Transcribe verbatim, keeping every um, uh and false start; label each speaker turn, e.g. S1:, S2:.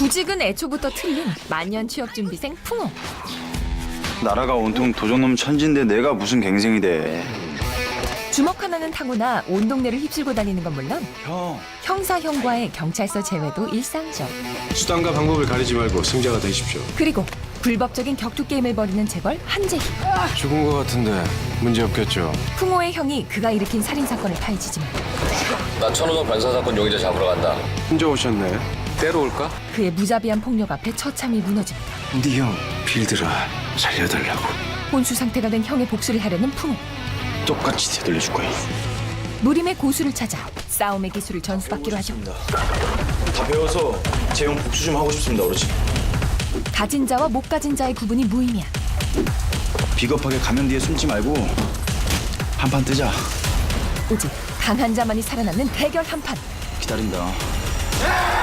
S1: 구직은 애초부터 틀린 만년 취업준비생 풍호.
S2: 나라가 온통 도적놈 천진데 내가 무슨 갱생이 돼.
S1: 주먹 하나는 타고나 온 동네를 휩쓸고 다니는 건 물론
S2: 형.
S1: 형사 형과의 경찰서 제외도 일상적.
S3: 수단과 방법을 가리지 말고 승자가 되십시오.
S1: 그리고 불법적인 격투 게임을 벌이는 재벌 한재희.
S3: 죽은 것 같은데 문제 없겠죠?
S1: 풍호의 형이 그가 일으킨 살인 사건을 파헤치지만
S4: 나 천호동 변사 사건 용의자 잡으러 간다.
S3: 혼자 오셨네. 때로 올까?
S1: 그의 무자비한 폭력 앞에 처참히 무너집니다.
S3: 네 형 빌드라 살려달라고.
S1: 혼수 상태가 된 형의 복수를 하려는 풍호.
S2: 똑같이 되돌려줄 거야.
S1: 무림의 고수를 찾아 싸움의 기술을 전수받기로 하죠.
S2: 다 배워서 재형 복수 좀 하고 싶습니다, 어르신.
S1: 가진 자와 못 가진 자의 구분이 무의미한
S2: 비겁하게 가면 뒤에 숨지 말고 한판 뜨자.
S1: 오직 강한 자만이 살아남는 대결 한판.
S2: 기다린다.